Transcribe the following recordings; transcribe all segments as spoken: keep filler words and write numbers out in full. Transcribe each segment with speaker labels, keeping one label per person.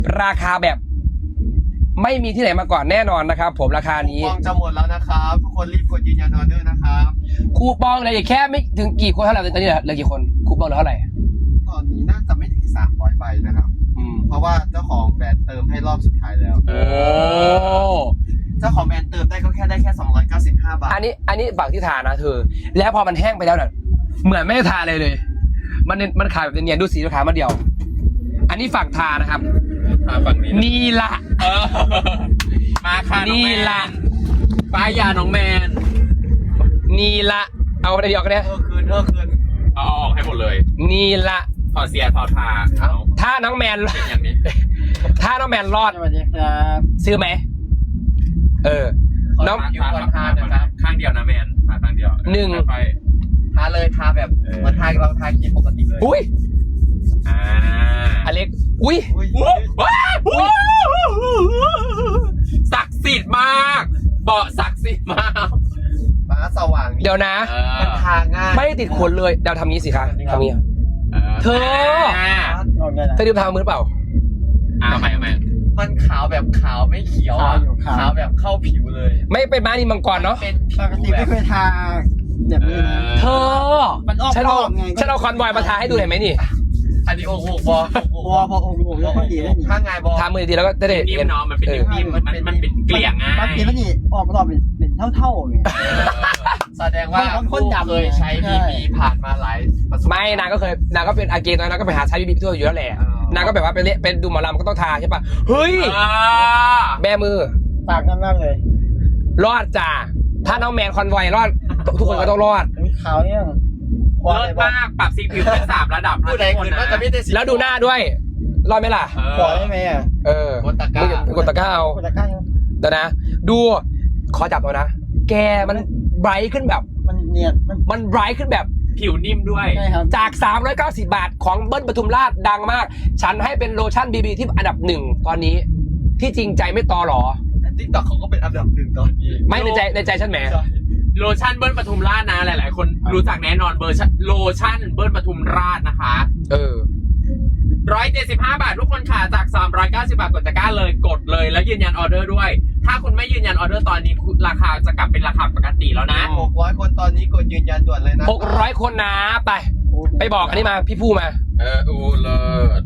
Speaker 1: ราคาแบบไม่มีที่ไหนมาก่อนแน่นอนนะครับผมราคานี้
Speaker 2: คูปองจะหมดแล้วนะครับทุกคนรีบกดยืนยันออเดอร์นะครับ
Speaker 1: คูปองเหลยแค่ไม่ถึงกี่คนเท่าไหร่ตอนนี้เหลือกี่คนคูปองเหลือเท่าไหร่
Speaker 2: ตอนนี้น่าจะไม่ถึงสามร้อยใบนะครับ
Speaker 1: อืม
Speaker 2: เพราะว่าเจ้าของแบรนด์เติมให้รอบสุดท้ายแล้ว
Speaker 1: โอ้
Speaker 2: เจ้าของแบรนด์เติมได้ก็แค่ได้แค่สองร้อยเก้าสิบห้าบาท
Speaker 1: อันนี้อันนี้ฝั่งที่ทานะเธอแล้วพอมันแห้งไปแล้วเนี่ยเหมือนไม่ได้ทาเลยเลย มันมันขายแบบเนียนๆดูสีราคามาเดียว อันนี้ฝั่งทานะครับ
Speaker 3: ทาฝั่งนี้
Speaker 1: นี่ละ
Speaker 3: เออมาค่ะน้อง
Speaker 1: นี่
Speaker 3: แมน
Speaker 1: ละ
Speaker 3: ป้ายยาน้องแมน
Speaker 1: นี่ละเอาไปเดียวกันเนี่ย
Speaker 2: เออคืนเออคืน
Speaker 3: เอาออกให้หมดเลย
Speaker 1: นี่ละ
Speaker 3: ถอดเสียถอดทาเอา
Speaker 1: ถ้าน้องแมน
Speaker 3: เป็นอย่างนี้
Speaker 1: ถ้าน้องแมนรอด
Speaker 2: สวัสดีครับ
Speaker 1: ซื้อไหมเออ น้อง
Speaker 2: คิวก่อนทานะครับ
Speaker 3: ข้างเดียวนะแมนทาข้างเดียว
Speaker 1: หนึ่ง
Speaker 3: ไป
Speaker 2: ทาเลยทาแบบเหมือนทาเราทาครีมปกติเลย
Speaker 1: อุ้ย
Speaker 3: อ่า
Speaker 1: อเล็กอุ้ย
Speaker 2: อุ้ย
Speaker 3: ว้าวว้าวศักดิ์สิทธิ์มากเบาะศักดิ์สิทธิ์มาก
Speaker 2: ฟ้าสว่าง
Speaker 1: เดี๋ยวนะ
Speaker 3: เออ
Speaker 2: มันทาง่าย
Speaker 1: ไม่ได้ติดขนเลยเดี๋ยวทำนี้สิคะทำนี้ เธอ
Speaker 3: อ่า
Speaker 1: เธอดื่มทางมือหรือเปล่า
Speaker 3: อ่าใหม่ใหม่
Speaker 2: มันขาวแบบขาวไม่เขียวอ่ะขาวแบบเข้าผิวเลย
Speaker 1: ไม่เป็นม้านินมังกรเนาะ
Speaker 2: เป็น
Speaker 4: ปกติไม่เคยทาแบบนี้นะ
Speaker 1: เธอ
Speaker 4: มันออก
Speaker 1: ฉันเอา
Speaker 4: รอบไง
Speaker 1: ฉันเอาคอนวอยมาทาให้ดูเห็นไหมนี่
Speaker 2: อันนี้โอ้โหบอ
Speaker 4: พอพอองค์องค์แล้วก็ดีแล้วนี่
Speaker 2: ข้างไงบอ
Speaker 1: ทามือดีแล้วก็จะได้
Speaker 3: นิ่ม
Speaker 1: เห็น
Speaker 3: เนาะมันเป็น
Speaker 1: เออ
Speaker 3: นิ่มๆมันมันมันเป็นเกลี่ยง่าย
Speaker 4: บางทีมันนี่ออกรอบเป็นเป็นเท่าๆเนี่ย
Speaker 2: แสดงว่า
Speaker 4: คนคนดำ
Speaker 2: เคยใช้
Speaker 4: ใช่
Speaker 2: บีบีผ่านมาหลายประสบ
Speaker 1: ไม่นางก็เคยนางก็เป็นอาเกนตอนนั้นก็ไปหาใช้บีบีทั่วอยู่แล้วแหละ
Speaker 2: อ๋อ
Speaker 1: นางก็แบบว่าเป็นเละเป็นดูหมอลำก็ต้องทาใช่ปะเฮ้ย
Speaker 3: อ่า
Speaker 1: แบมือ
Speaker 4: ต่างกันมากเลย
Speaker 1: รอดจ้าถ้าน้องแมนคอนวอยรอดทุกคนก็ต้องรอด
Speaker 4: มีขาวเนี่ยพอ
Speaker 3: เลิ
Speaker 4: เล
Speaker 3: ศ
Speaker 4: ยบอก
Speaker 3: มากปรับสีผิวเป็นสามระดับ
Speaker 2: ผู้ใดคืนว่าจะไม่ได้สิ
Speaker 1: แล้วดูหน้าด้วย รอดไหมล่ะ
Speaker 4: ขอได้ไหมอ่ะ
Speaker 1: เออก
Speaker 2: ดตะกร้า
Speaker 1: มึงกดตะกร้าเอา
Speaker 4: คนละข้าง
Speaker 1: เดี๋ยวนะ ดูขอจับตัวนะ แกมันไบรท์ขึ้นแบบ
Speaker 4: มันเนียนมัน
Speaker 1: มันไบรท์ขึ้นแบบ
Speaker 3: ผิวนิ่มด้วย
Speaker 4: ใช่ครับ
Speaker 1: จาก สามร้อยเก้าสิบ บาทของเบิ้ลปทุมราชดังมาก ฉันให้เป็นโลชั่นบีบีที่อันดับหนึ่งตอนนี้ ที่จริงใจไม่ตอหรอ
Speaker 2: ติ๊กต็อกเขาก็เป็นอันดับหนึ่งตอนนี้
Speaker 1: ไม่ในใจในใจฉันแหม
Speaker 3: โลชั่นเบิ้ลปทุมราชนะหลาย ๆ คนรู้จักแน่นอนเบอร์ชั่นโลชั่นเบิ้ลปทุมราชนะคะ
Speaker 1: เออ
Speaker 3: หนึ่งร้อยเจ็ดสิบห้า บาททุกคนค่ะจากสามร้อยเก้าสิบ บาทกดตะกร้าเลยกดเลยแล้วยืนยันออเดอร์ด้วย ถ้าคุณไม่ยืนยันออเดอร์ตอนนี้ราคาจะกลับเป็นราคาปกติแล้วนะ
Speaker 2: หกร้อยคนตอนนี้กดยืนยันด่วนเลยนะ
Speaker 1: หกร้อยคนนะไป ไปบอกอันนี้มาพี่ผู้มา
Speaker 3: เอออูเลิศ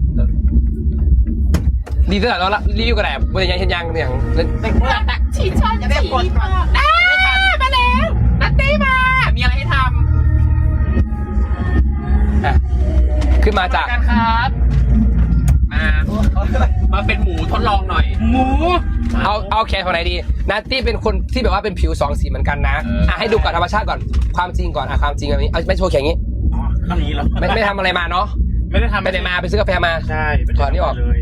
Speaker 1: ดีตั้งแต่เราละรีวิวกันแหละบริยังเห็นยังอย่าง
Speaker 4: เป็นคนละ
Speaker 3: ชีชอนจะได้กดมาได้มาแล้วนัตตี้มา มีอะไรให้ท
Speaker 1: อ่ะขึ้นมา
Speaker 3: ำ
Speaker 1: จาก
Speaker 3: กันครับมามาเป็นหมูทดลองหน่อย หมู
Speaker 1: เอาเอาแขนของไหนดีนัตตี้เป็นคนที่แบบว่าเป็นผิวสองสีเหมือนกันนะ
Speaker 3: เอออ่
Speaker 1: อ่ะให้ดูก่อนธรรมชาติก่อนความจริงก่อนอ่ะความจริงแบบนี้เอาไม่โชว์แขนอย่างนี้
Speaker 5: อ๋อข้างนี้เหรอ
Speaker 1: ไม่ไม่ทำอะไรมาเนาะ
Speaker 5: ไม่ได้ทำ
Speaker 1: ไปไหนมาไปซื้อกาแฟมา
Speaker 5: ใช่
Speaker 1: ถอดนี่ออก
Speaker 5: เลย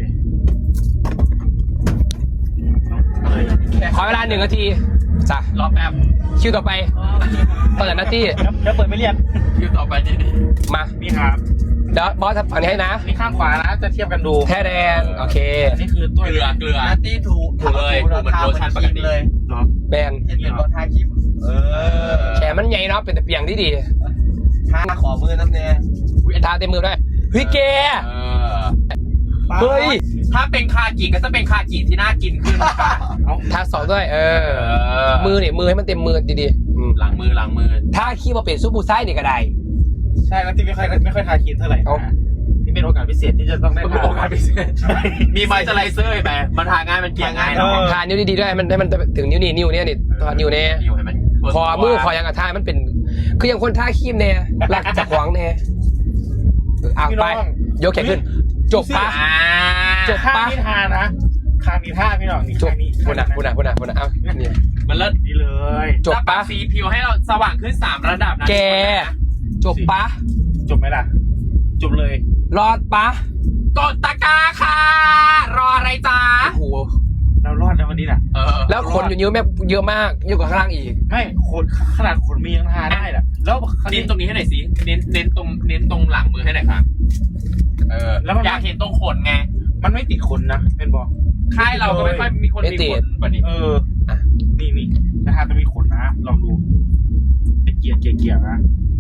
Speaker 5: เลย
Speaker 1: ขอเวลาหนึ่งนาทีจ้ะ
Speaker 3: รอแป๊บ
Speaker 1: คิวต่อไปต่อจากนัตตี้
Speaker 5: เดี๋ยวเปิดไม่เรียก
Speaker 3: คิวต่อไปนี่
Speaker 1: มา
Speaker 5: นี่ครับ
Speaker 1: เดี๋ยวบอสทำฝั่งนี้ให้นะ
Speaker 5: นี่ข้างขวานะจะเทียบกันดู
Speaker 1: แท้แดนโอเค
Speaker 5: อันนี้คือตัว
Speaker 3: เกลือเกลือ
Speaker 2: นัตตี้ถู
Speaker 3: ถูเลยถูเหมือนโลชั่นปกติ
Speaker 2: เลย
Speaker 5: เนาะ
Speaker 1: แบน
Speaker 2: เห็นเป็นตัวทาครีมเออ
Speaker 1: แขนมันใหญ่เนาะเป็นแต่เปียงที่ดี
Speaker 2: ทาขอมือน้ำแน่
Speaker 1: ทาเต็มมือด้วยเฮ้ยแก
Speaker 3: เออ
Speaker 1: เฮ้ย
Speaker 3: ถ้าเป็นคากิก็จะเป็นคากิที่น่ากินขึ้นนะคะ
Speaker 1: ทาสองด้วย เออ
Speaker 3: เออ
Speaker 1: มือเนี่ยมือให้มันเต็มมือดีๆอืม
Speaker 3: หลังมือหลังมือ
Speaker 1: ถ้าขี้มาเป็นซุปบูไส้เนี่ยก็ได้
Speaker 5: ใช่แล้วที่ไม่ค่อยไม่ค่อยทาครีมเท่าไหร่
Speaker 1: เอ้า
Speaker 5: นะนี่เป็นโอกาสพิเศษที่จะต้องได้
Speaker 3: เป็น
Speaker 5: ทา
Speaker 3: โอกาสพิเศษมีไมเจอไรเซอร์ไหมมันทาง่ายมันเกลี่ยง่าย
Speaker 5: เอ
Speaker 3: เนาะ
Speaker 5: อ
Speaker 1: ทานิ้วดีๆด้วยให้มันให้มันถึงนิ้วนี่นิ้วเนี่ยนี่ทานิ้วเนี่ย
Speaker 3: อยู่ให้มัน
Speaker 1: คอมือคอยังกระทามันเป็น คืออย่างคนท่าขี้มเนี่ยรักจากหวังเนี่ยอ่ะ
Speaker 5: พี่
Speaker 1: ไป
Speaker 5: น้อง
Speaker 1: ยกแขนขึ้น จบปะ
Speaker 3: อ่า
Speaker 1: จบ
Speaker 5: ข้างนี้ทานะข้างนี้ท่าพี่น้องนี่
Speaker 1: จบ
Speaker 5: ข้างนี้
Speaker 1: พูดนะพูดนะพูดนะพูดนะเอ้าเนี่ย
Speaker 3: มันเลิศ
Speaker 5: นี่เลย
Speaker 1: จบปะ
Speaker 3: จะรับสีผิวให้เราสว่างขึ้นสามระดับนะ
Speaker 1: แก จบปะ
Speaker 5: จบไหมล่ะ จบเลย
Speaker 1: รอดปะ
Speaker 3: กดตะกร้าค่ะ รออะไรจ้า
Speaker 1: โอ้โห
Speaker 5: เรารอดในวันนี้น่ะ
Speaker 3: เออ
Speaker 1: แล้วขนอยู่นิ้วแม่เยอะมากเยอะกว่าข้างล่างอีก
Speaker 5: ไม่ขนขนาดขนมียังทาได้ล่ะแล้วคราว
Speaker 3: เน้
Speaker 5: นี้
Speaker 3: นตรงนี้ให้หน่อยสิเน้นเน้นตรงเน้นตรงหลังมือให้หน่อยครับเออ
Speaker 5: แล้วมัน
Speaker 3: อยากเห็นตรงขนไง
Speaker 5: มันไม่ติดขนนะเป็นบอก
Speaker 3: ค่ายเราก็ไม่ค่อยมีคน
Speaker 1: ไม่
Speaker 3: มี
Speaker 1: ติ
Speaker 3: ข
Speaker 1: ด
Speaker 3: นแบบนี้
Speaker 5: เอออ่ะนี่นี่นะฮะจะมีขนนะ ลองดูเป็นเกียร์เกียร์เกียร์นะ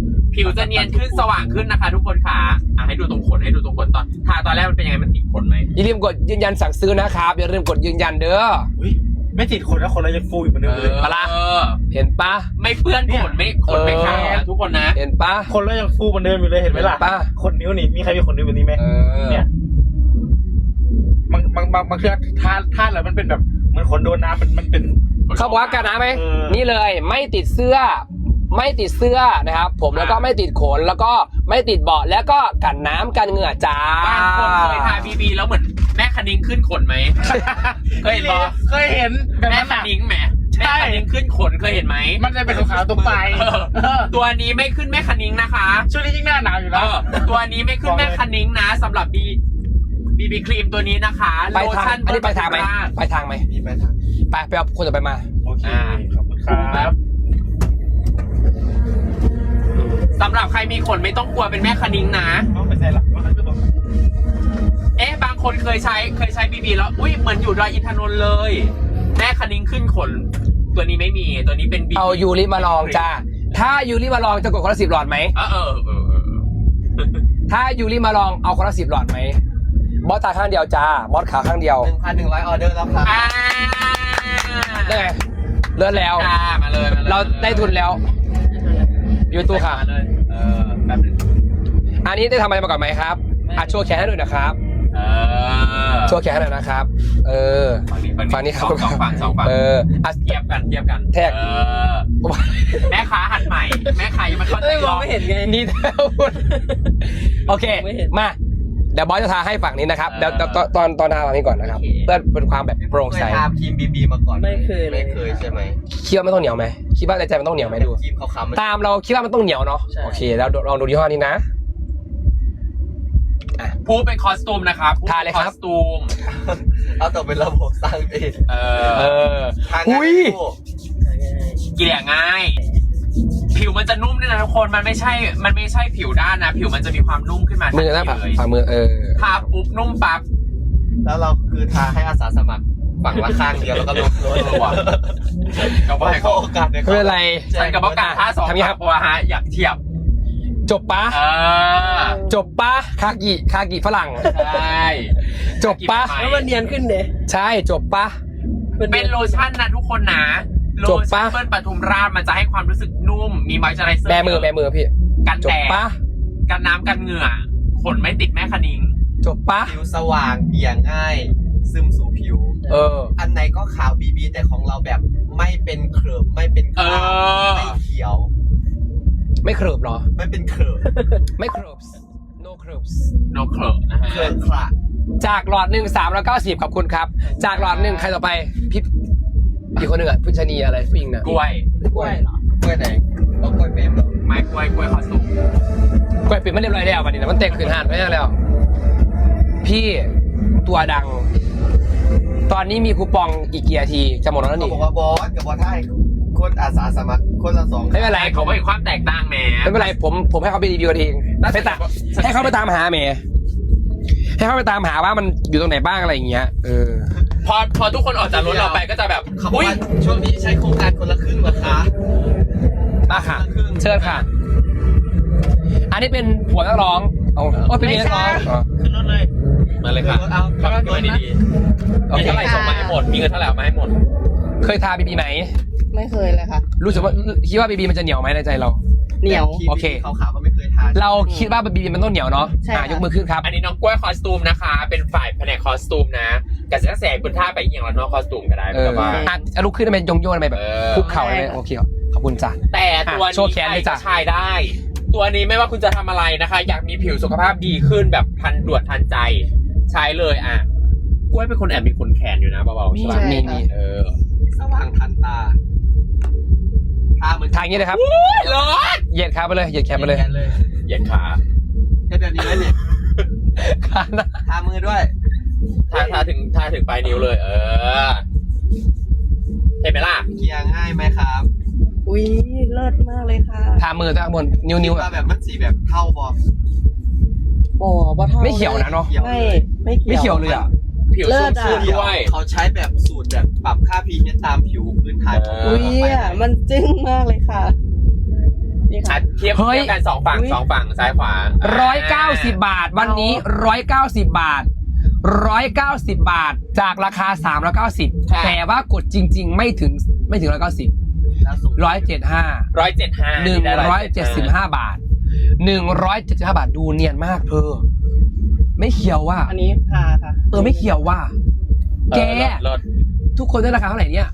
Speaker 3: ผิวจะเนียนขึ้นสว่างขึ้นนะคะ ทุกคนค่ะอ่ะให้ดูตรงขนให้ดูตรงขนตอนทาตอนแรกมันเป็นยังไงมันติดขนไหม
Speaker 1: อย่าลืมกดยืนยันสั่งซื้อนะครับอย่าลืมกดยืนยันเด้อ
Speaker 5: อุ๊ยไม่ติดคนแล้วคนเรายังฟูอยู่เหมือนเดิมเลย
Speaker 1: ปะล่ะ
Speaker 3: เออ
Speaker 1: เห็นปะ
Speaker 3: ไม่เปื้อนขนไม่ขนไม่ขาดนะทุกคนนะ
Speaker 1: เห็นปะ
Speaker 5: คนเรายังฟูเหมือนเดิมอยู่เลยเห็นไหมล่ะ
Speaker 1: ป้า
Speaker 5: ขนนิ้วนี่มีใครมีขนนิ้วแบบนี้ไหม
Speaker 1: เออ
Speaker 5: เนี่ยบางบางบางบางเครื่องทาทาแล้วมันเป็นแบบเหมือนขนโดนน้ำมันมันเป็น
Speaker 1: เขาบอกว่ากันนะไหม
Speaker 5: เออ
Speaker 1: นี่เลยไม่ติดเสื้อ ไม่ติดเสื้อนะครับ ผมแล้วก็ไม่ติดขนแล้วก็ไม่ติดเบาะแล้วก็กันน้ำกันเหงื่อจ้า
Speaker 3: บางคนเคยทาบีบีแล้วเหมือนแม่คณิ้งขึ้นขนไหม เคยเห็นปะ
Speaker 5: เคยเห็นแบบ
Speaker 3: แม่
Speaker 5: นั้น
Speaker 3: ค
Speaker 5: อะ
Speaker 3: ณิ้งแหม
Speaker 5: ใช่
Speaker 3: แม่คณิ้งขึ้นขนเคยเห็นไหม
Speaker 5: มันจะเป็นขาวๆตรงปลาย
Speaker 3: เออ
Speaker 5: เออ
Speaker 3: ตัวนี้ไม่ขึ้นแม่คณิ้งนะคะ
Speaker 5: ช่วงนี้ยิ่งหน้าหนาวอยู่
Speaker 3: เอ
Speaker 5: แล้ว
Speaker 3: อตัวนี้ไม่ขึ้นแม่คณิ้งนะสำหรับบีบีบีครีมตัวนี้นะคะ
Speaker 1: ไป
Speaker 3: โล
Speaker 1: ทาง
Speaker 3: ชั่น
Speaker 1: อันนี้ไปทางไหม
Speaker 3: เบอร์
Speaker 1: ไปทางไหม
Speaker 2: มีไปทาง
Speaker 1: ไปไปเอาคนต่อไปมา
Speaker 5: โอเค
Speaker 3: อ่า
Speaker 5: ขอบคุณครับ
Speaker 3: สำหรับใครมีขนไม่ต้องกลัวเป็นแม่คณิ้งนะ
Speaker 5: เอาไปใส่หลักว่าจะบอก
Speaker 3: เอ๊ะบางคนเคยใช้เคยใช้บีบีแล้วอุ้ยเหมือนอยู่ดอยอินทนนท์เลย แม่คณิ้งขึ้นขน ตัวนี้ไม่มีตัวนี้เป็นบี
Speaker 1: เอายูริมาลองจ้าถ้ายูริมาลองจะกดคนละสิบหลอดไหม
Speaker 3: เออเออเออเออ
Speaker 1: ถ้ายูริมาลองเอาคนละสิบหลอดไหมบอสตาข้างเดียวจ้าบอสขาข้างเดียว
Speaker 2: หนึ่งพันหนึ่งร้อยออเดอร์แล้วครับ
Speaker 3: อ่า
Speaker 1: ได้ไงเลื่อนแล้ว
Speaker 3: อ่ามาเลยมาเลย
Speaker 1: เราได้ทุนแล้วอยู่ตู้ค่ะ
Speaker 3: มาเลยเออแป๊บหนึง
Speaker 1: อันนี้ได้ทำอะไรมาก่อนไหมครับอ่ะโชว์แขนให้ดูหนะครับ
Speaker 3: เออ
Speaker 1: โชว์แขนให้หน่อยนะครับ เออ
Speaker 3: ฝั่งนี้
Speaker 1: ฝั่งนี้ครับ
Speaker 3: สองสองฝั่งสองฝั่ง
Speaker 1: เอออ่ะ
Speaker 3: เทียบกันเทียบกัน
Speaker 1: แท็ก
Speaker 3: เออแม่ค้าหัดใหม่ แม่ค้ายังไม่เข้าใจหรอก
Speaker 1: นี่เท่าโอเคมาเดี๋ยวบอสจะทาให้ฝั่งนี้นะครับเดี๋ยวตอนตอนตอนทาฝั่งนี้ก่อนนะครับเพื่อเป็นความแบบโปร่งใส
Speaker 2: เคยทาครีมบีบีมาก่อน
Speaker 4: ไม่เคยเลย
Speaker 2: ไม่เคยใช่ไหม
Speaker 1: คิดว่าไม่ต้องเหนียวไหมคิดว่าในใจมันต้องเหนียวไหมดู
Speaker 2: ครีมขาวๆมัน
Speaker 1: ตามเราคิดว่ามันต้องเหนียวเนาะ
Speaker 2: ใช่
Speaker 1: โอเคแล้วลองดูยี่ห้อนี้นะ
Speaker 3: ผู้เป็นคอสตูมนะครับผู้
Speaker 1: ทาเลยครับ
Speaker 3: คอสตูม
Speaker 2: เอาต่อเป็นระบบสร้างเอง
Speaker 3: เอ
Speaker 1: เอ
Speaker 3: อ
Speaker 1: อ
Speaker 2: ทาง
Speaker 1: อุ้ย
Speaker 3: เกลี่ยง่าย ผิวมันจะนุ่มด้วยนะทุกคนมันไม่ใช่ มันไม่ใช่ผิวด้านนะ ผิวมันจะมีความนุ่มขึ้นมา
Speaker 1: มือหน้า
Speaker 3: ทั
Speaker 1: ผาก
Speaker 3: ทีเลย
Speaker 1: ฝ่ามือเออ
Speaker 3: ทาปุ๊บนุ่มปั๊บ
Speaker 2: แล้วเราคือทาให้อาสาสมัครฝั่งละข้างเดียวแล้วก็ลงโล
Speaker 3: เออว่ะ ก็ว่าให้
Speaker 2: ขอ
Speaker 3: เขา
Speaker 2: โอกาสใน
Speaker 1: ไม่เป็นไร
Speaker 3: ฉันกับประกาศท่าสอง
Speaker 1: ทำยังไงครับ
Speaker 3: ตัวฮะอยากเทียบ
Speaker 1: จบปะ
Speaker 3: เออ
Speaker 1: จบปะคากิคากิฝรั่ง
Speaker 3: ใช่
Speaker 1: จบปะ
Speaker 3: แล้ว
Speaker 4: แล้วมันเนียนขึ้นเด้
Speaker 1: ใช่จบปะ
Speaker 3: เป็นโลชั่นนะทุกคนนะโล
Speaker 1: จบ
Speaker 3: ชั่
Speaker 1: ปะ
Speaker 3: นเปิ้ลปทุมราชมันจะให้ความรู้สึกนุ่ม มีมอยเจอไรเซอร์
Speaker 1: แบมือแบมือพี่
Speaker 3: กัน
Speaker 1: จบ
Speaker 3: แดด
Speaker 1: ปะ
Speaker 3: กันน้ำกันเหงื่อขนไม่ติดแม่คณิ้ง
Speaker 1: จบปะ
Speaker 2: ผิวสว่างเบี่ยงง่าย ซึมสู่ผิว
Speaker 1: เออ
Speaker 2: อันไหนก็ขาวบีบีแต่ของเราแบบไม่เป็นเคลือบไม่เป็นคราบ
Speaker 3: เออ
Speaker 2: ไม่เขียว
Speaker 1: ไม่เครือบเหรอ
Speaker 2: ไม่เป็นเคลือบ
Speaker 1: ไม่เครือบ no เครือบ
Speaker 3: โนเคลนะฮะ
Speaker 2: เคลือบคละ
Speaker 1: จากหลอดหนึ่งสามร้อยเก้าสิบขอบคุณครับ จากหลอดหนึ่งใครต่อไปพี่อีกคนหนึ่งอ่ะผู้ชนีอะไรผู้หญิงนะ
Speaker 3: กล้วย
Speaker 1: กล้วย
Speaker 2: กล้วยไหนเอากล้วยเปรมเหรอ
Speaker 3: ไม้กล้วยกล้วยคอสตูม
Speaker 1: กล้วยปิดไม่เรียบร้อยแล้ววันนี้นะมันเตะขืนหานไปแล้ว พี่ตัวดัง ตอนนี้มีคูปองอีกกี่นาทีจะหมดแล้ว
Speaker 2: เขา
Speaker 1: นี่
Speaker 2: บอกว่าบอสกับบอสให้คนอาสาสมัครคนละสอง
Speaker 1: ไม่เป็นไร
Speaker 3: เขาไม่ความแตกต่างแหม
Speaker 1: ไม่เป็นไรผมผมให้เขาไปรีวิวกันเองไปตามให้เขาไปตามหาเมย์ให้เขาไปตามหาว่ามันอยู่ตรงไหนบ้างอะไรอย่างเงี้ยเออ
Speaker 3: พอพอทุกคนออกจากรถเราไปก็จะแบบ
Speaker 2: เขาบอก
Speaker 3: อุ้ย
Speaker 2: ว่าช่วงนี้ใช้โครงการคนละครึ่งเหรอคะ
Speaker 1: มาค่ะเชิญค่ะ อันนี้เป็นผัวนักร้องเอาโอ้เป็นเมียนักร้องอ๋อ
Speaker 5: ขึ้นรถเลย
Speaker 3: มาเลยค่ะ
Speaker 2: เอา
Speaker 3: ขับรถดีๆ
Speaker 1: โอ
Speaker 3: มี
Speaker 1: เค
Speaker 3: เท่าไหร่ส่งมาให้หมด มีเงินเท่าไหร่เอามาให้หมด
Speaker 1: เคยทาบีบีไหม
Speaker 4: ไม่เคยเลยค่ะ
Speaker 1: รู้สึกว่าคิดว่าบีบีมันจะเหนียวไหมในใจเรา
Speaker 4: เหนียว
Speaker 1: โอเค
Speaker 2: ขาวๆก็ไม่เคยทาน
Speaker 1: เราคิดว่าบีบีมันต้องเหนียวเนาะ
Speaker 4: ใช่
Speaker 1: อ่ะ
Speaker 4: ค่ะ
Speaker 1: ยกมือขึ้นครับ
Speaker 3: อันนี้น้องกล้วยคอสตูมนะคะ เป็นฝ่ายแผนกคอสตูมนะกระแสกระแสคุณท่าไปอีกอย่างละน้องคอสตูมก็ได้
Speaker 1: เอ
Speaker 3: ไม่
Speaker 1: อ
Speaker 3: ต้องว่า
Speaker 1: อ่ะอ่ะลุกขึ้นได้ไหมยงโยนไปแบบ
Speaker 3: เออ
Speaker 1: คุกเข่าได้ไหมโอเคขอบคุณจ้ะ
Speaker 3: แต่ตัว
Speaker 1: อ่ะโชว์
Speaker 3: นี้
Speaker 1: แขน
Speaker 3: ใคร
Speaker 1: เลยจ้ะ
Speaker 3: ก็ใช้ได้ ตัวนี้ไม่ว่าคุณจะทำอะไรนะคะ อยากมีผิวสุขภาพดีขึ้นแบบทันด่วนทันใจ ใช้เลยอ่ะกล้วยเป็นคนแอบมีขนแขนอยู่นะเบาๆ
Speaker 1: มี
Speaker 3: ใช่ปะ
Speaker 1: มีมี
Speaker 3: เออ
Speaker 2: สว่างทันตาทาเหมือน
Speaker 1: ทางนี้เลยครับ
Speaker 3: เลิศ
Speaker 1: เหยียดขาไปเลยเหยียดแขนไปเลย
Speaker 2: เลย
Speaker 3: เหยียดขา
Speaker 2: แค่แบบนี้เลยเนี่ย
Speaker 1: ขาหน้า
Speaker 2: ทามือด้วย
Speaker 3: ทาทาถึงทาถึงปลายนิ้วเลย เออเห็นไหมล่ะ
Speaker 2: เกียร์ง่ายไหมครับ
Speaker 4: อุ้ยเลิศมากเลยค่ะ
Speaker 1: ทามือตั้งบนนิ้วนิ้ว
Speaker 2: ตาแบบมันสีแบบเท่าบอ
Speaker 4: บ่บ่เท่า
Speaker 1: ไม่เขียวนะเนาะ
Speaker 2: เขียว
Speaker 4: ไม่ไม่เขียว
Speaker 1: ไม่เขียวเลยอ่ะ
Speaker 3: ผิว
Speaker 4: เลิ
Speaker 3: ชุ่ม
Speaker 4: ศอะ
Speaker 3: ชื่นด้วย
Speaker 2: เขาใช้แบบสูตรแบบปรับค่า พี เอช ตามผิวพื้นฐานของ
Speaker 3: เอ
Speaker 4: อุ้ย
Speaker 2: เราไป
Speaker 4: อ่ะมันจึ้งมากเลยค่ะนี่ค่ะ
Speaker 3: อ่ะเทียบ
Speaker 1: เฮ้ย
Speaker 3: เทียบกันสองฝั่ง
Speaker 4: อุ๊ย
Speaker 3: สองฝั่งซ้ายขวา
Speaker 1: ร้อยเก้าสิบบาท วันนี้ร้อยเก้าสิบบาทร้อยเก้าสิบบาทจากราคาสามร้อยเก้าสิบแต่ว่ากดจริง ๆ ไม่ถึงไม่ถึงร้อยเก้าสิบ
Speaker 2: แล้วส่ง
Speaker 1: ร้อยเจ็ดห้า
Speaker 3: ร้อยเจ็ดห้า
Speaker 1: หนึ่งร้อยเจ็ดสิบห้าบาทหนึ่งร้อยเจ็ดสิบห้าบาทดูเนียนมากเธอ ไม่เขียวว่า
Speaker 4: อันนี้ทาค่ะ
Speaker 1: เออไม่เขียวว่า แก
Speaker 3: ลด
Speaker 1: ทุกคนได้ราคาเท่าไหร่เนี่ย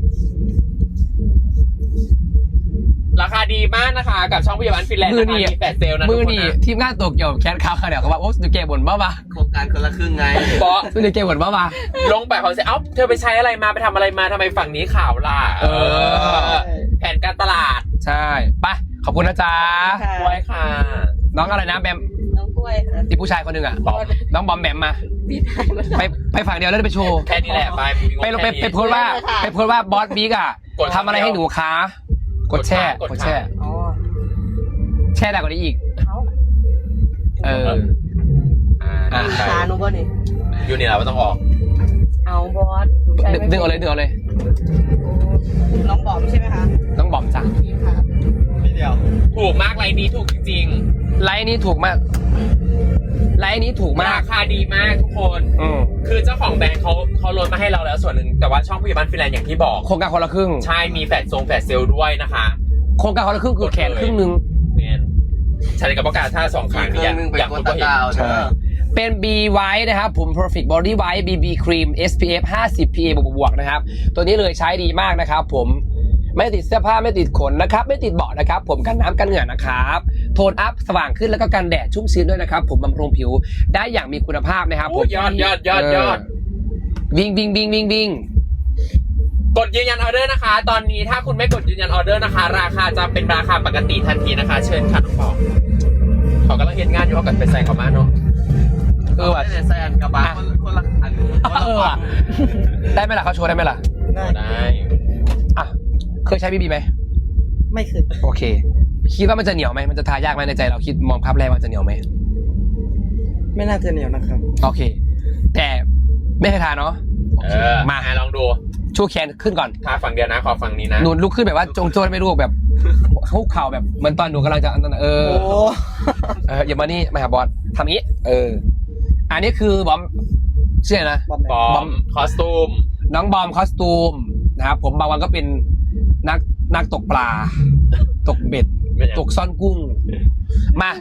Speaker 3: ราคาดีมากนะคะ กับช่องพยาบาลฟินแลนด์
Speaker 1: มือ
Speaker 3: นะคะ
Speaker 1: นี่
Speaker 3: มีแฟลชเซลนะ
Speaker 1: มือ
Speaker 3: ทุกค
Speaker 1: นี่
Speaker 3: นะ
Speaker 1: ทีมงานตัวเกี่ยวแคสคาวเขาเดี๋ยวเขาว่าโอ้สุดเกบ่นบ้าปะ
Speaker 2: โครงการคนละครึ่งไง
Speaker 3: เพราะ
Speaker 1: สุดเกบ่นบ้าปะ
Speaker 3: ลงไปเขาจะเอ้าเธอไปใช้อะไรมาไปทำอะไรมาทำไมฝั่งนี้ข่าวล่ะ
Speaker 1: เออ
Speaker 3: แผนการตลาด
Speaker 1: ใช่ไปขอบคุณนะจ๊ะ
Speaker 4: ค่ะ
Speaker 3: ไว้ค่ะ
Speaker 1: น้องอะไรนะแบม
Speaker 4: น้องกล้วยค่ะ
Speaker 1: ที่ผู้ชายคนหนึ่งอ่ะ
Speaker 3: บอก
Speaker 1: น้องบอมแบมมา
Speaker 4: พี่ไทยมัน
Speaker 1: ไปไปฝั่งเดียวแล้วไปโชว์
Speaker 3: แค่นี้แหละไป
Speaker 1: ไปลงไปไปโพสต์ว่าไปโพสต์ว่าบอสบิ๊กอ่ะ
Speaker 3: กด
Speaker 1: ทำอะไรให้หนูคะกดแช่
Speaker 3: กด
Speaker 1: กด
Speaker 3: ค่ะ
Speaker 1: แช่
Speaker 4: อ๋อ
Speaker 1: แช่ได้กว่านี้อีก
Speaker 4: เขา
Speaker 1: เออ
Speaker 3: อ่า
Speaker 1: อ่ะ
Speaker 3: ไป
Speaker 4: ทาหนูบ่นี่
Speaker 3: อยู่นี่แหละไม่ต้องออก
Speaker 4: เอาบอสหนูใช้
Speaker 1: ดึง
Speaker 4: ไม่
Speaker 1: ดึงเอาเลยดึงเอาเลย
Speaker 4: น้องบอมใช่ไหมคะ
Speaker 1: น้องบอมจ้ะ
Speaker 4: ค่ะ
Speaker 2: พี่เดียว
Speaker 3: ถูกมากไลน์นี้ถูกจริง
Speaker 1: ไลน์นี้ถูกมากไลน์นี้ถูก
Speaker 3: ๆ
Speaker 1: มาก
Speaker 3: ราคาดีมากทุกคน
Speaker 1: อืม
Speaker 3: คือเจ้าของแบรนด์เขาเขาลดมาให้เราแล้วส่วนหนึ่งแต่ว่าช่องพยาบาลฟินแลนด์อย่างที่บอก
Speaker 1: โครงการคนละครึ่ง
Speaker 3: ใช่มีแฟลชทรงแฟลชเซลด้วยนะคะ
Speaker 1: โครงการคนละครึ่งคือแขนครึ่งหนึ่ง
Speaker 3: เนี่ยใช้กับประกาศท่าสองครั้ง
Speaker 2: เครื่
Speaker 3: อ
Speaker 2: อง
Speaker 3: ย่าง
Speaker 2: นึงไป
Speaker 3: อย่าง
Speaker 2: ก
Speaker 3: คุ
Speaker 2: ด
Speaker 3: ณ
Speaker 2: ตะ
Speaker 3: ก็เห็
Speaker 2: ก
Speaker 3: น
Speaker 2: ร้าเด้อ
Speaker 1: เป็น B White นะครับผม Perfect Body White บี บี Cream เอส พี เอฟ ห้าสิบ พี เอ บวกบวกๆนะครับ ตัวนี้เลยใช้ดีมากนะครับผมไม่ติดเสื้อผ้าไม่ติดขนนะครับ ไม่ติดเบาะนะครับ ผมกันน้ำกันเหงื่อนะครับโทนอัพสว่างขึ้นแล้วก็กันแดดชุ่มชื้นด้วยนะครับ ผมบำรุงผิวได้อย่างมีคุณภาพนะครับผม
Speaker 3: ยอดยอดยอดยอด
Speaker 1: เวิ่งวิ่งวิ่งวิ่งวิ่ง
Speaker 3: กดยืนยันออเดอร์นะคะ ตอนนี้ถ้าคุณไม่กดยืนยันออเดอร์นะคะ ราคาจะเป็นราคาปกติทันทีนะคะ เชิญค่ะน้องปองเขากำลังเห็นงานอยู่เขากันไปใส่เขามาเนาะ
Speaker 1: เออว่ะ
Speaker 2: ไม่ได้แซนกับบาร์คนคนละอันคนละ
Speaker 1: เออว่ะได้ไหมล่ะเขาโชว์ได้ไหมล่ะ
Speaker 3: ได้
Speaker 1: อ่ะเคยใช้บีบีไหม
Speaker 4: ไม่เคย
Speaker 1: โอเค คิดว่ามันจะเหนียวไหมมันจะทายากไหมในใจเราคิดมองภาพแรกมันจะเหนียวไหม
Speaker 4: ไม่น่าจะเหนียวนะครับ
Speaker 1: โอเค แต่ไม่เคยทานเนาะโอ
Speaker 3: เอ
Speaker 1: เค
Speaker 3: อ
Speaker 1: มา
Speaker 3: อ่ะลองดู
Speaker 1: ชูแขนขึ้นก่อน
Speaker 3: ทาฝั่งเดียวนะ ขอฝั่งนี้นะ
Speaker 1: หนูลุกขึ้นแบบว่าจงโจ้ไม่รู้แบบคุกเข่าแบบเหมือนตอนหนูกำลังจะอันนั้นเออ
Speaker 4: โอ้
Speaker 1: เอออย่ามานี่มาหาบอสทำงี้ เออ อันนี้คือบอมชื่ออะไรนะ
Speaker 4: บอม
Speaker 3: บอม คอสตูม
Speaker 1: น้องบอมคอสตูมนะครับผมบางวันก็เป็นนักนักตกปลา ตกเบ็ด
Speaker 3: ไม่ใช่
Speaker 1: ตกซ่อนกุ้ง มาย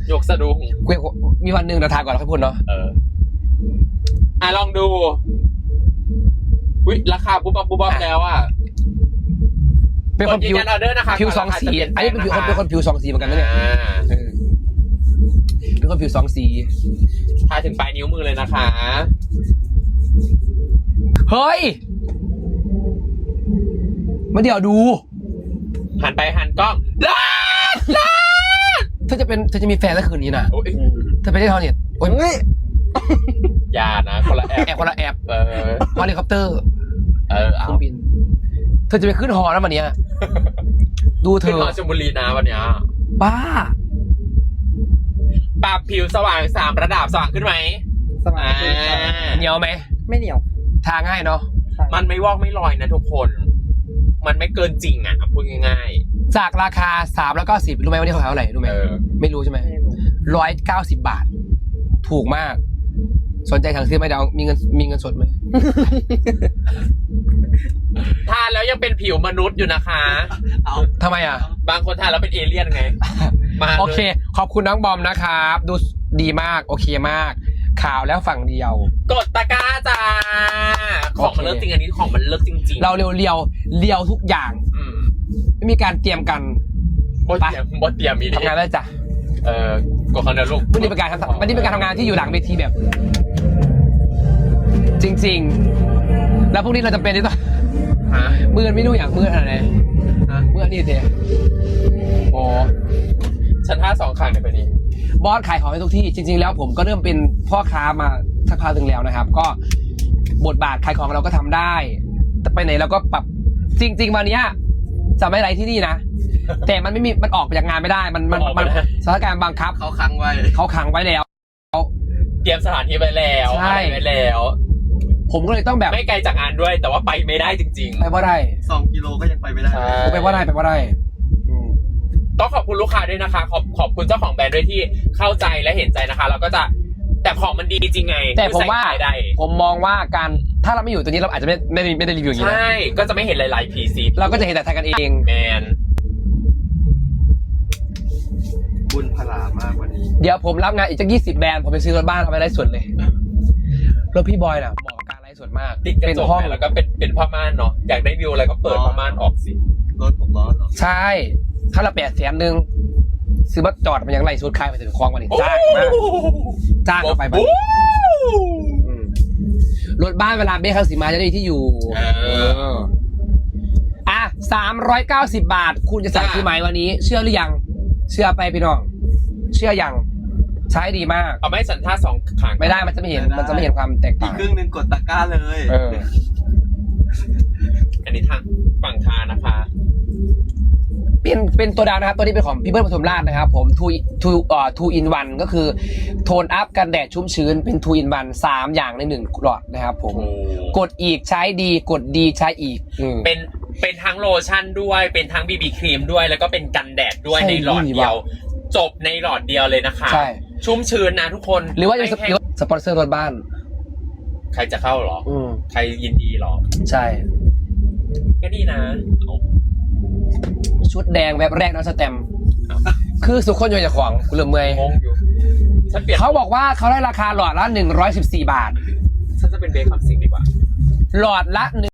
Speaker 3: กสะดุ้ง
Speaker 1: เกวยมีวันหนึ่งเราทานก่อนแล้วค่อยพูดเนาะ
Speaker 3: เออ อ่ะลองดูวิราคาปุ๊บปั๊บปุ๊บปั๊บแล้วอ่ะ
Speaker 1: เป็นคน
Speaker 3: กดยื
Speaker 1: ผิวน
Speaker 3: ยันออเดอร์นะคะ
Speaker 1: ผิวสองสี
Speaker 3: ก่ราคาจะ
Speaker 1: อันนี้เป็นผิวคน
Speaker 3: ป
Speaker 1: เป็น
Speaker 3: ลี่ย
Speaker 1: คนผิวสองสีเหมือนกันนะเนี่ย
Speaker 3: อ่า
Speaker 1: เออเป็นคนผิวสองสี
Speaker 3: ทาถึงปลายนิ้วมือเลยนะคะ
Speaker 1: เฮ้ยมาเดี๋ยวดู
Speaker 3: หันไปหันกล้องลาดลาด
Speaker 1: เธอจะเป็นเธอจะมีแฟนแล้วคืนนี้นะ
Speaker 3: โอ้ย
Speaker 1: เธอไปได้ทอนเน็ตโอ้ย
Speaker 3: อย่านะคนละแอป
Speaker 1: แอบคนละแอบ
Speaker 3: เออ
Speaker 1: ฮอลิคอปเตอร์
Speaker 3: เออ
Speaker 1: เค
Speaker 3: เอา
Speaker 1: รื่องบิน เธอจะไปขึ้นหอแล้ววันเนี้ยดูเธ
Speaker 3: ขึ้น
Speaker 1: อ
Speaker 3: หอชลบุรีนะวันเนี้ย
Speaker 1: บ้า
Speaker 3: ปรับผิวสว่างสามระดับสว่างขึ้นไหม
Speaker 4: สมา
Speaker 3: อ่า
Speaker 4: ธิ
Speaker 1: เหนียวไหม
Speaker 4: ไม่เหนียว
Speaker 1: ทาง่ายเนาะ
Speaker 3: มันไม่วอกไม่ลอยนะทุกคน มันไม่เกินจริงอ่ะพูดง่าย
Speaker 1: จากราคาสามแล้วก็สิบรู้ไหมวันนี้เขาขายเท่าไหร่รู้ไหม
Speaker 3: เออ
Speaker 1: ไม่รู้ใช่ไหม
Speaker 4: ไม่รู้
Speaker 1: ร้อยเก้าสิบบาท ถูกมาก สนใจสั่งซื้อไหมเดี๋ยวมีเงินมีเงินสดไหม
Speaker 3: ๆทานแล้วยังเป็นผิวมนุษย์อยู่นะคะ
Speaker 2: เอา
Speaker 1: ทำไมอ่ะ
Speaker 3: บางคนทานแล้วเป็นเอเลี่ยนไง มาลย
Speaker 1: โอเค ขอบคุณน้องบอมนะครับ ดูดีมาก โอเคมาก ข่าวแล้วฝั่งเดียว
Speaker 3: กดตะกร้าจ้า ของมันเลิกจริงอันนี้ของมันเลิกจริงๆ
Speaker 1: เราเรียวเรียวเรียวทุกอย่าง
Speaker 3: อืม
Speaker 1: ไม่มีการเตรียมกัน
Speaker 3: บดเตรียมบดเตรียมมีดิ
Speaker 1: ทำงานได้จ้ะ
Speaker 3: เออกดคอนเดลูก
Speaker 1: วันนี้เป็นการทำวันนี้เป็นการทำงานที่อยู่หลังเวทีแบบ จริง ๆ แล้วพรุ่งนี้เราจะเป็นที่ต้อง
Speaker 3: ฮะ
Speaker 1: มือไม่รู้อย่างมืออะไร
Speaker 3: ฮะ
Speaker 1: มือนี่เถอะโอ้
Speaker 3: ฉันท่าสองข้างในไปนี้
Speaker 1: บอสขายของให้ทุกที่ จริง ๆ แล้วผมก็เริ่มเป็นพ่อค้ามาสักพักหนึ่งแล้วนะครับ ก็บทบาทขายของเราก็ทำได้ แต่ไปไหนเราก็ปรับจริง ๆ วันเนี้ยจะไม่ไรที่นี่นะ แต่มันไม่มีมันออกไปจากงานไม่ได้ มันมันมันสถานการณ์บังคับ
Speaker 2: เขาค้างไว้
Speaker 1: เขาขังไว้แล้ว
Speaker 3: เตรียมสถานที่ไปแล้ว
Speaker 1: ใช่
Speaker 3: อะไรไว้แล้ว
Speaker 1: ผมก็เลยต้องแบบ
Speaker 3: ไม่ไกลจากงานด้วย แต่ว่าไปไม่ได้จริง
Speaker 1: ไปว่าได้
Speaker 2: สองกิโลก็ยังไปไม่ได้
Speaker 3: ใช่
Speaker 1: ไปว่าได้ไปว่าได้อืม
Speaker 3: ต้องขอบคุณลูกค้าด้วยนะคะ ขอบขอบคุณเจ้าของแบรนด์ด้วยที่เข้าใจและเห็นใจนะคะเราก็จะแต่ของมันดีจริงไง
Speaker 1: แต่ผมว่า
Speaker 3: ใส่ได้
Speaker 1: ผมมองว่าการถ้าเราไม่อยู่ตัวนี้เราอาจจะไม่ไม่ได้ไม่ได้รีวิวอย่างนี้
Speaker 3: ใช่
Speaker 1: นะ
Speaker 3: ก็จะไม่เห็นหลายๆ พี ซี
Speaker 1: เราก็จะเห็นแต่ไทยกันเอง
Speaker 3: แมน
Speaker 2: บุญพลามากวันนี้
Speaker 1: เดี๋ยวผมรับงานอีกจักยี่สิบแบรนด์ผมไปซื้อรถบ้านเอาไปไลฟ์สดเลยรถพี่บอยน่ะเหมาะกับการไลฟ์สดมาก
Speaker 3: ติดกระ
Speaker 1: เป็น
Speaker 3: จก
Speaker 1: ห้อง
Speaker 3: แล้วก็เป็นเป็นผ้าม่านเนาะอยากได้วิวอะไรก็เปิดผ้าม่านออกสิ
Speaker 2: รถผมล้อเหรอ
Speaker 1: ใช่ค่าละแปดแสนหนึ่งซื้อมาจอดมันยังไล่สุดค่ายไปถึงคลองวันนี้จ้างมากจ้างเอาไปบ้านอืมรถบ้านเวลาเบ้ข้างสีมาจะได้ที่อยู่
Speaker 3: เออ
Speaker 1: อ่ะสามร้อยเก้าสิบบาท คุณจะสั่ง
Speaker 3: จ้า
Speaker 1: ซื้อไหมวันนี้ เชื่อหรือยัง เชื่อไปพี่น้อง เชื่อยังใช้ดีมาก
Speaker 3: เอาไม่สันท่าสองขาง
Speaker 1: ไม่ได้มันจะไม่เห็นมันจะไม่เห็นความแตก
Speaker 2: อี
Speaker 1: ต่าก ง
Speaker 2: ครึ่งหนึ่งกดตะกร้าเลย
Speaker 1: เออ
Speaker 3: อันนี้ทางฝั่งคานะคะ
Speaker 1: เป็นเป็นตัวดาวนะครับ ตัวนี้เป็นของพี่เบิ้ลปทุมราชนะครับผมทูทูเอ่อทูอินวันก็คือโทนอัพกันแดดชุ่มชื้นเป็นทูอินวันสามอย่างในหนึ่งหลอดนะครับผม กดอีกใช้ดีกดดีใช้อีกอืม
Speaker 3: เป็นเป็นทั้งโลชั่นด้วยเป็นทั้งบีบีครีมด้วยแล้วก็เป็นกันแดดด้วย
Speaker 1: ใช่
Speaker 3: ในหลอดเดียว
Speaker 1: ดีว่
Speaker 3: จบในหลอดเดียวเลยนะคะ
Speaker 1: ใช่
Speaker 3: ชุ่มชื้นนะทุกคน
Speaker 1: หรือว่าจะ
Speaker 3: ไม่
Speaker 1: ส
Speaker 3: แห้
Speaker 1: ห
Speaker 3: ง
Speaker 1: รือว่าสปอนเซอร์รถบ้าน
Speaker 3: ใครจะเข้าเหรอ
Speaker 1: อืม
Speaker 3: ใครยินดีเหรอ
Speaker 1: ใช่
Speaker 3: ก็ดีนะเอา
Speaker 1: ชุดแดงแบบแรกน้องสแตมป์คือสุขคนโยนจากของกูเริ่มเมื่อย
Speaker 3: งงอยู่ฉันเปลี่ยน
Speaker 1: เขาบอกว่าเขาได้ราคาหลอดละหนึ่งร้อยสิบสี่บาท
Speaker 3: ฉันจะเป็นเบคคำสิงดีกว่า
Speaker 1: หลอดละ